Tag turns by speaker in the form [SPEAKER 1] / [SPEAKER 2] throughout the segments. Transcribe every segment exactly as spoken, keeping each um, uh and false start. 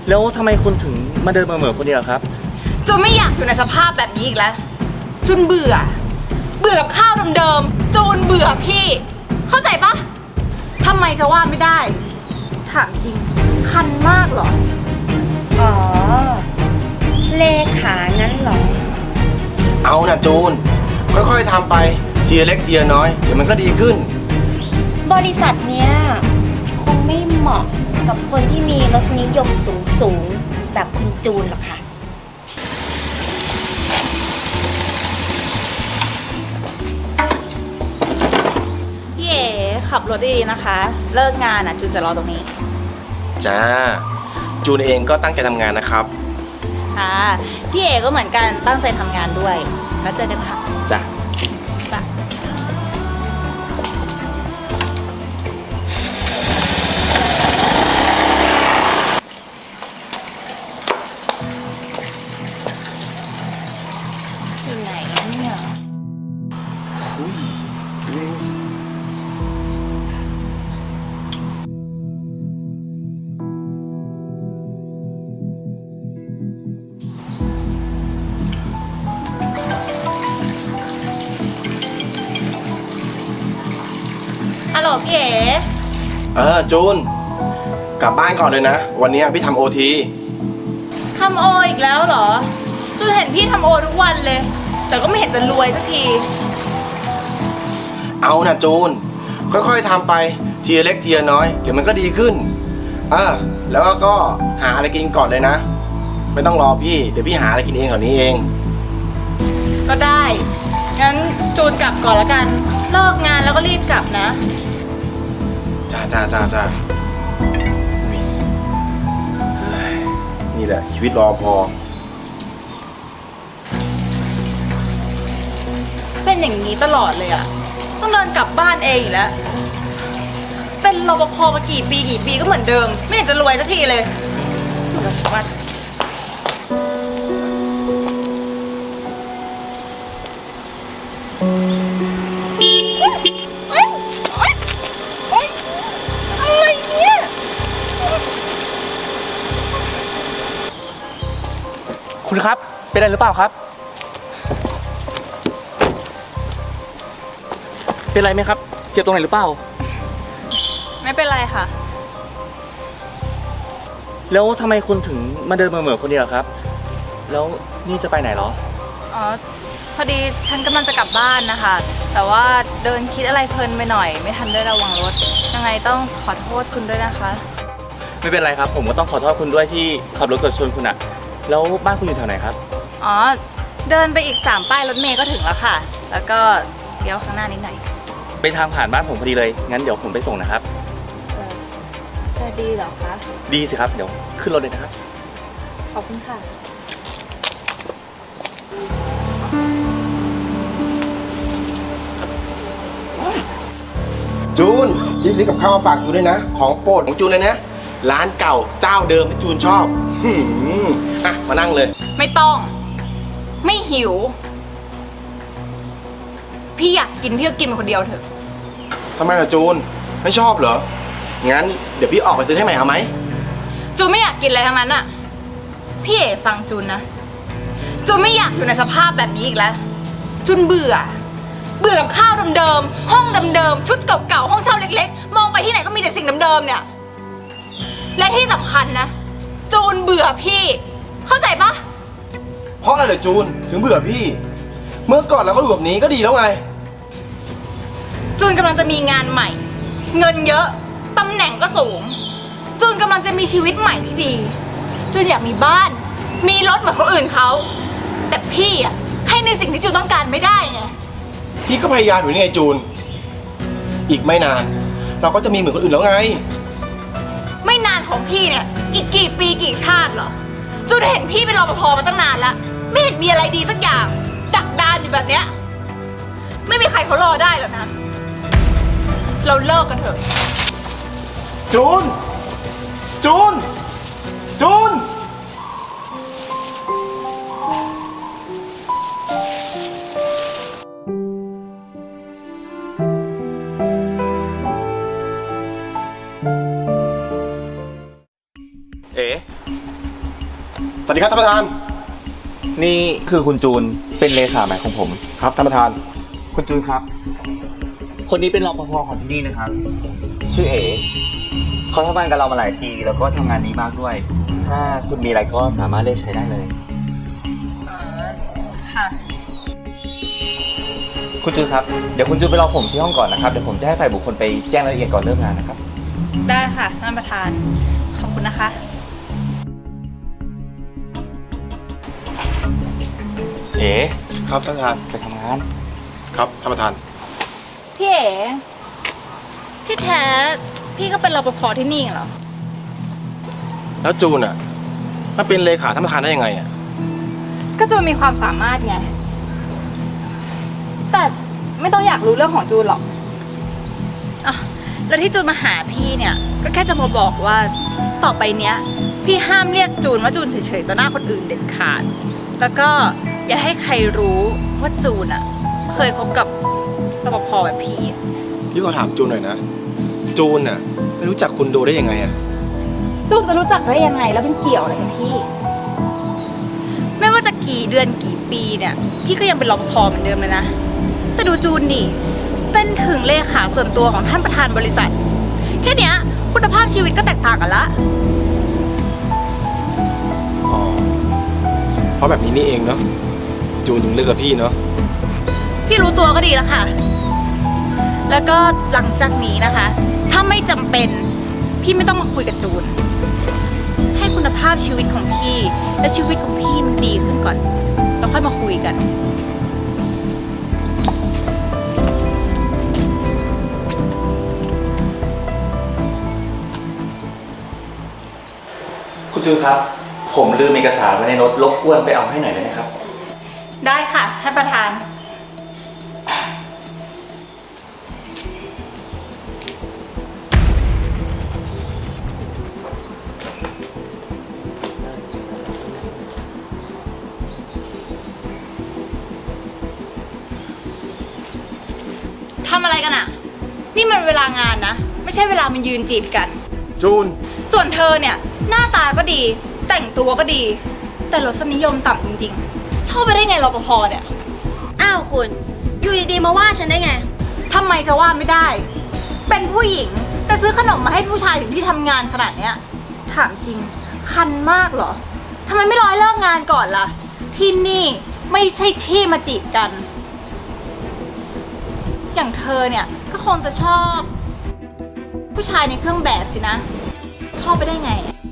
[SPEAKER 1] แล้วทำไมคุณถึงมาเดินมาเหมือคนเดียวครับ
[SPEAKER 2] จูนไม่อยากอยู่ในสภาพแบบนี้อีกแล้วจูนเบื่อเบื่อกับข้าวเดิมๆจูนเบื่อพี่เข้าใจปะทำไมจะว่าไม่ได้ถามจริงคันมากเหรอ
[SPEAKER 3] อ๋อเลขางั้นเหรอ
[SPEAKER 4] เอานะจูนค่อยๆทำไปทีเล็กทีน้อยเดี๋ยวมันก็ดีขึ้น
[SPEAKER 3] บริษัทเนี้ยคงไม่เหมาะกับคนที่มีรสนิยมสูงสูงแบบคุณจูนหรอกค่ะ
[SPEAKER 2] พี่เอ๋ขับรถดีๆนะคะเลิกงานอ่ะจูนจะรอตรงนี้
[SPEAKER 4] จ้าจูนเองก็ตั้งใจทำงานนะครับ
[SPEAKER 2] ค่ะพี่เอ๋ก็เหมือนกันตั้งใจทำงานด้วยแล้วเจอกันค่ะ
[SPEAKER 4] จ้า
[SPEAKER 2] อยู่ไหนเนี่ยฮัลโหลพี่เอ๋
[SPEAKER 4] เออจูนกลับบ้านก่อนเลยนะวันนี้พี่ทำโอที
[SPEAKER 2] ทำโออีกแล้วเหรอจูนเห็นพี่ทำโอทุกวันเลยแต่ก็ไม่เห็นจะรวยสักที
[SPEAKER 4] เอานะจูนค่อยๆทำไปทีเล็กทีน้อยเดี๋ยวมันก็ดีขึ้นเออแล้วก็หาอะไรกินก่อนเลยนะไม่ต้องรอพี่เดี๋ยวพี่หาอะไรกินเองแถวนี้เอง
[SPEAKER 2] ก็ได้งั้นจูนกลับก่อนละกันเลิกงานแล้วก็รีบกลับนะ
[SPEAKER 4] จ้าจ้าจ้าจ้านี่แหละชีวิตรอพอ
[SPEAKER 2] เป็นอย่างนี้ตลอดเลยอะต้องเดินกลับบ้านเองอีกแล้วเป็นรปภมากี่ปีกี่ปีก็เหมือนเดิมไม่เห็นจะรวยสักทีเลยหนูจะชวนอะไรเนี่ย
[SPEAKER 1] คุณครับเป็นอะไรหรือเปล่าครับเป็นไรไหมครับเจ็บตรงไหนหรือเปล่า
[SPEAKER 2] ไม่เป็นไรค่ะ
[SPEAKER 1] แล้วทำไมคุณถึงมาเดินมาเหมือคนเดียวครับแล้วนี่จะไปไหนเหรอ
[SPEAKER 2] อ๋อพอดีฉันกำลังจะกลับบ้านนะคะแต่ว่าเดินคิดอะไรเพลินไปหน่อยไม่ทันได้ระวังรถยังไงต้องขอโทษคุณด้วยนะคะ
[SPEAKER 1] ไม่เป็นไรครับผมก็ต้องขอโทษคุณด้วยที่ขับรถเกิดชนคุณอะแล้วบ้านคุณอยู่แถวไหนครับ
[SPEAKER 2] อ๋อเดินไปอีกสามป้ายรถเมล์ก็ถึงแล้วค่ะแล้วก็เดี๋ยวข้างหน้านิดหน่อย
[SPEAKER 1] ไปทางผ่านบ้านผมพอดีเลยงั้นเดี๋ยวผมไปส่งนะครับ
[SPEAKER 2] จะดีเหรอคะ
[SPEAKER 1] ดีสิครับเดี๋ยวขึ้นรถเลยนะครับ
[SPEAKER 2] ขอบคุณค่ะ
[SPEAKER 4] จูนพี่ซื้อกับข้าวมาฝากจูนด้วยนะของโปรดของจูนเลยนะร้านเก่าเจ้าเดิมที่จูนชอบอ่ะมานั่งเลย
[SPEAKER 2] ไม่ต้องไม่หิวพี่อยากกินพี่ก็กินไปคนเดียวเถอะ
[SPEAKER 4] ทำไมล่ะจูนไม่ชอบเหรองั้นเดี๋ยวพี่ออกไปซื้อให้ใหม่เอาไหม
[SPEAKER 2] จูนไม่อยากกินอะไรทั้งนั้นอ่ะพี่เอ๋ฟังจูนนะจูนไม่อยากอยู่ในสภาพแบบนี้อีกแล้วจูนเบื่อเบื่อกับข้าวเดิมๆห้องเดิมๆชุดเก่าๆห้องเช่าเล็กๆมองไปที่ไหนก็มีแต่สิ่งเดิมๆเนี่ยและที่สำคัญนะจูนเบื่อพี่เข้าใจปะ
[SPEAKER 4] เพราะอะไรเหรอจูนถึงเบื่อพี่เมื่อก่อนเราก็อยู่แบบนี้ก็ดีแล้วไง
[SPEAKER 2] จูนกำลังจะมีงานใหม่เงินเยอะตำแหน่งก็สูงจูนกำลังจะมีชีวิตใหม่ที่ดีจูนอยากมีบ้านมีรถเหมือนคนอื่นเขาแต่พี่อ่ะให้ในสิ่งที่จูนต้องการไม่ได้ไง
[SPEAKER 4] พี่ก็พยายามอยู่นี่ไงจูนอีกไม่นานเราก็จะมีเหมือนคนอื่นแล้วไง
[SPEAKER 2] ไม่นานของพี่เนี่ยอีกกี่ปีกี่ชาติเหรอจูนเห็นพี่เป็นรปภมาตั้งนานแล้วไม่เห็นมีอะไรดีสักอย่างดักดานอยู่แบบเนี้ยไม่มีใครเขารอได้หรอกนะเราเลิกกันเถอะ
[SPEAKER 4] จูนจูนจูน
[SPEAKER 1] เอ๋
[SPEAKER 4] วัสดีครับท่านประธาน
[SPEAKER 1] นี่คือคุณจูนเป็นเลขาใหม่ของผม
[SPEAKER 4] ครับท่านประธาน
[SPEAKER 1] คุณจูนครับ คนนี้เป็นรปภของที่นี่นะครับ ชื่อเอ๋เขาทำงานกับเรามาหลายปีแล้วก็ทำงานนี้มากด้วย ถ้าคุณมีอะไรก็สามารถเรียกใช้ได้เลย
[SPEAKER 2] ค่ะ
[SPEAKER 1] คุณจูนครับ เดี๋ยวคุณจูนไปรอผมที่ห้องก่อนนะครับ เดี๋ยวผมจะให้ฝ่ายบุคคลไปแจ้งรายละเอียดก่อนเริ่มงานนะครับ
[SPEAKER 2] ได้ค่ะท่านประธาน ขอบคุณนะคะ
[SPEAKER 1] เอ๋
[SPEAKER 4] ครับท่านประธาน
[SPEAKER 1] ไปทำงาน
[SPEAKER 4] ครับท่านประธาน
[SPEAKER 2] พี่เอ๋ที่แท้พี่ก็เป็นรปภที่นี่เหรอ
[SPEAKER 4] แล้วจูนอ่ะมาเป็นเลขาท่านประธานได้ยังไงอ่ะ
[SPEAKER 2] ก็จูนมีความสามารถไง แต่ไม่ต้องอยากรู้เรื่องของจูนหรอกอ่ะแล้วที่จูนมาหาพี่เนี่ย ก็แค่จะมาบอกว่าต่อไปเนี้ย พี่ห้ามเรียกจูนว่าจูนเฉยๆต่อหน้าคนอื่นเด็ดขาด แล้วก็อย่าให้ใครรู้ว่าจูนอ่ะ เคยคบกับรปภแบบพี่
[SPEAKER 4] พี่ขอถามจูนหน่อยนะ จูนอ่ะไม่รู้จักคุณโดได้ยังไงอ่ะ
[SPEAKER 2] จูนจะรู้จักได้ยังไงแล้วเป็นเกี่ยวอะไรกับพี่ ไม่ว่าจะกี่เดือนกี่ปีเนี่ย พี่ก็ยังเป็นรปภเหมือนเดิมเลยนะ แต่ดูจูนดิเป็นถึงเลขาส่วนตัวของท่านประธานบริษัท แค่เนี้ยคุณภาพชีวิตก็แตกต่างกันละ
[SPEAKER 4] อ๋อ เพราะแบบนี้นี่เองเนาะ จูนถึงเลือกกับพี่เนาะ
[SPEAKER 2] พี่รู้ตัวก็ดีแล้วค่ะ แล้วก็หลังจากนี้นะคะ ถ้าไม่จำเป็นพี่ไม่ต้องมาคุยกับจูน ให้คุณภาพชีวิตของพี่และชีวิตของพี่มันดีขึ้นก่อน แล้วค่อยมาคุยกัน
[SPEAKER 1] คุณจูนครับ ผมลืมเอกสารไว้ในรถรบกวนไปเอาให้หน่อยได้ไหมครับ
[SPEAKER 2] ได้ค่ะท่านประธาน ทำอะไรกันอะนี่มันเวลางานนะ ไม่ใช่เวลามันยืนจีบกัน
[SPEAKER 4] จูน
[SPEAKER 2] ส่วนเธอเนี่ย หน้าตาก็ดี แต่งตัวก็ดี แต่รสนิยมต่ำจริงๆ ชอบไปได้ไงรปภเนี่ย
[SPEAKER 3] อ้าวคุณ อยู่ดีๆมาว่าฉันได้ไง
[SPEAKER 2] ทำไมจะว่าไม่ได้ เป็นผู้หญิงแต่ซื้อขนมมาให้ผู้ชายถึงที่ทำงานขนาดเนี้ย ถามจริง คันมากเหรอ ทำไมไม่รอให้เลิกงานก่อนล่ะ ที่นี่ไม่ใช่ที่มาจีบกัน อย่างเธอเนี่ยก็คงจะชอบ ผู้ชายในเครื่องแบบสินะ ชอบไปได้ไง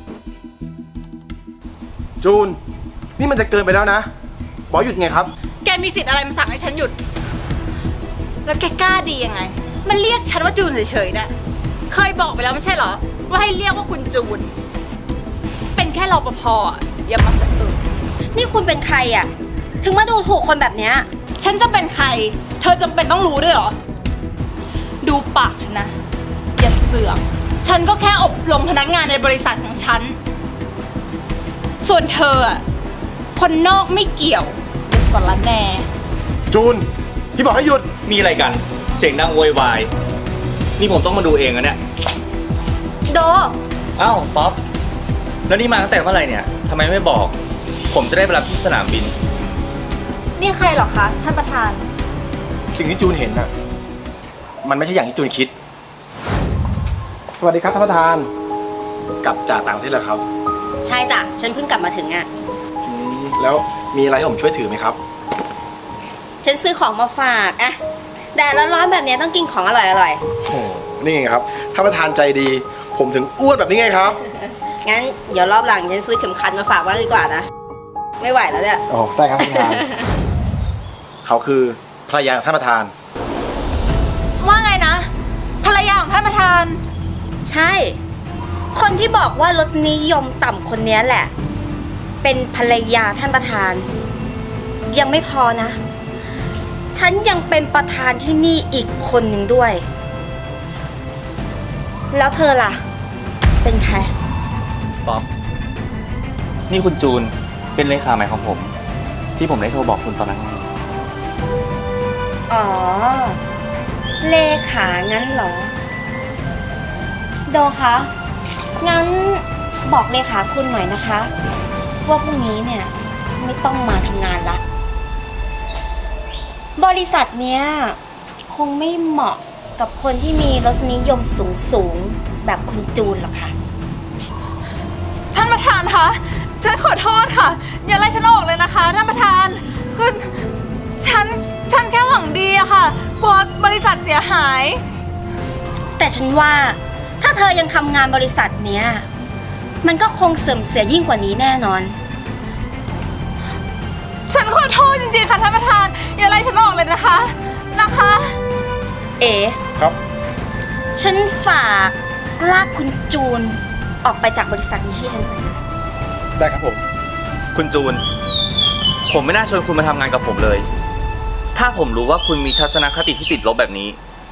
[SPEAKER 4] จูน นี่มันจะเกินไปแล้วนะ บอกหยุดไงครับ
[SPEAKER 2] แกมีสิทธิ์อะไรมาสั่งให้ฉันหยุด แล้วแกกล้าดียังไง มันเรียกฉันว่าจูนเฉยๆนะ เคยบอกไปแล้วไม่ใช่เหรอ ว่าให้เรียกว่าคุณจูน เป็นแค่รปภอ่ะอย่ามาสะอึก
[SPEAKER 3] นี่คุณเป็นใครอ่ะ ถึงมาดูถูกคนแบบเนี้ย
[SPEAKER 2] ฉันจะเป็นใคร เธอจำเป็นต้องรู้ด้วยเหรอ ดูปากฉันนะ อย่าเสือก ฉันก็แค่อบรมพนักงานในบริษัทของฉัน ส่วนเธออ่ะ คนนอกไม่เกี่ยวอย่าสารแหน่
[SPEAKER 4] จูน พี่บอกให้หยุด
[SPEAKER 1] มีอะไรกัน เสียงดังโวยวาย นี่ผมต้องมาดูเองอะเนี่ย
[SPEAKER 3] โด
[SPEAKER 1] อ้าวป๊อป แล้วนี่มาตั้งแต่เมื่อไหร่เนี่ยทำไมไม่บอก ผมจะได้ไปรับที่สนามบิน
[SPEAKER 2] นี่ใครเหรอคะท่านประธาน
[SPEAKER 4] สิ่งที่จูนเห็นน่ะ มันไม่ใช่อย่างที่จูนคิด สวัสดีครับท่านประธาน กลับจากต่างประเทศแล้วครับ
[SPEAKER 3] ใช่จ้ะ ฉันเพิ่งกลับมาถึงอ่ะ
[SPEAKER 4] อืมแล้วมีอะไรให้ผมช่วยถือไหมครับ
[SPEAKER 3] ฉันซื้อของมาฝากอะแดดร้อนๆแบบเนี้ยต้องกินของอร่อย
[SPEAKER 4] โอ้นี่ไงครับท่านประธานใจดี ผมถึงอ้วนแบบนี้ไงครับ
[SPEAKER 3] ๆ งั้นเดี๋ยวรอบหลังฉันซื้อเข็มขัดมาฝากบ้างดีกว่านะ ไม่ไหวแล้วเนี่ย
[SPEAKER 4] อ๋อ ได้ครับท่านประธาน เขาคือภรรยาของท่านประธาน
[SPEAKER 2] ว่าไงนะ ภรรยาของท่านประธาน
[SPEAKER 3] ใช่ คนที่บอกว่ารสนิยมต่ำคนเนี้ยแหละ เป็นภรรยาท่านประธาน ยังไม่พอนะ ฉันยังเป็นประธานที่นี่อีกคนหนึ่งด้วย แล้วเธอล่ะ เป็นใคร
[SPEAKER 1] ป๊อป นี่คุณจูน เป็นเลขาใหม่ของผม ที่ผมได้โทรบอกคุณตอนนั้นไง
[SPEAKER 3] อ๋อ เลขางั้นเหรอ โดคะ งั้นบอกเลขาคุณหน่อยนะคะว่าพรุ่งนี้เนี่ยไม่ต้องมาทำงานละ บริษัทเนี้ยคงไม่เหมาะกับคนที่มีรสนิยมสูงสูงๆแบบคุณจูนหรอกค่ะ
[SPEAKER 2] ท่านประธานคะ ฉันขอโทษค่ะ อย่าไล่ฉันออกเลยนะคะท่านประธาน คือฉัน ฉันแค่หวังดีอะค่ะ กลัวบริษัทเสียหาย
[SPEAKER 3] แต่ฉันว่าถ้าเธอยังทำงานบริษัทเนี้ยมันก็คงเสื่อมเสียยิ่งกว่านี้แน่นอน
[SPEAKER 2] ฉันขอโทษจริงๆค่ะท่านประธาน อย่าไล่ฉันออกเลยนะคะ นะคะ
[SPEAKER 3] เอ๋
[SPEAKER 4] ครับ
[SPEAKER 3] ฉันฝากลากคุณจูนออกไปจากบริษัทนี้ให้ฉันหน่อยนะ
[SPEAKER 4] ได้ครับผม
[SPEAKER 1] คุณจูน ผมไม่น่าชวนคุณมาทำงานกับผมเลย ถ้าผมรู้ว่าคุณมีทัศนคติที่ติดลบแบบนี้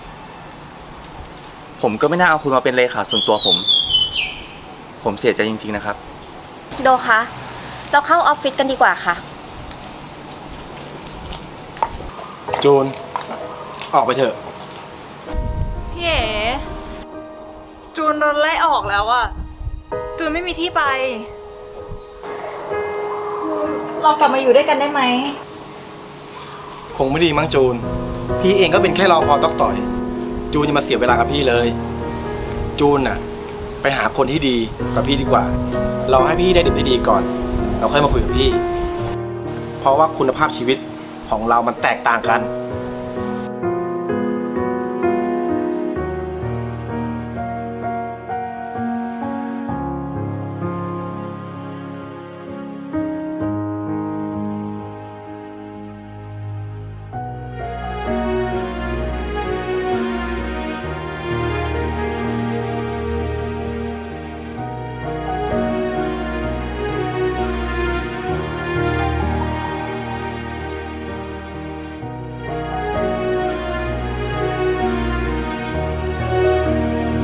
[SPEAKER 1] ผมก็ไม่น่าเอาคุณมาเป็นเลขาส่วนตัวผม ผมเสียใจจริงๆนะครับ
[SPEAKER 3] โดคะ เราเข้าออฟฟิศกันดีกว่าค่ะ
[SPEAKER 4] จูน ออกไปเถอะ
[SPEAKER 2] พี่เอ๋จูนโดนไล่ออกแล้วอะจูนไม่มีที่ไป เรากลับมาอยู่ด้วยกันได้ไหม
[SPEAKER 4] คงไม่ดีมั้งจูน พี่เองก็เป็นแค่รอพอตอกต่อย จูนจะมาเสียเวลากับพี่เลย จูนน่ะ ไปหาคนที่ดีกับพี่ดีกว่า เราให้พี่ได้ดิบได้ดีก่อน เราค่อยมาคุยกับพี่ เพราะว่าคุณภาพชีวิตของเรามันแตกต่างกัน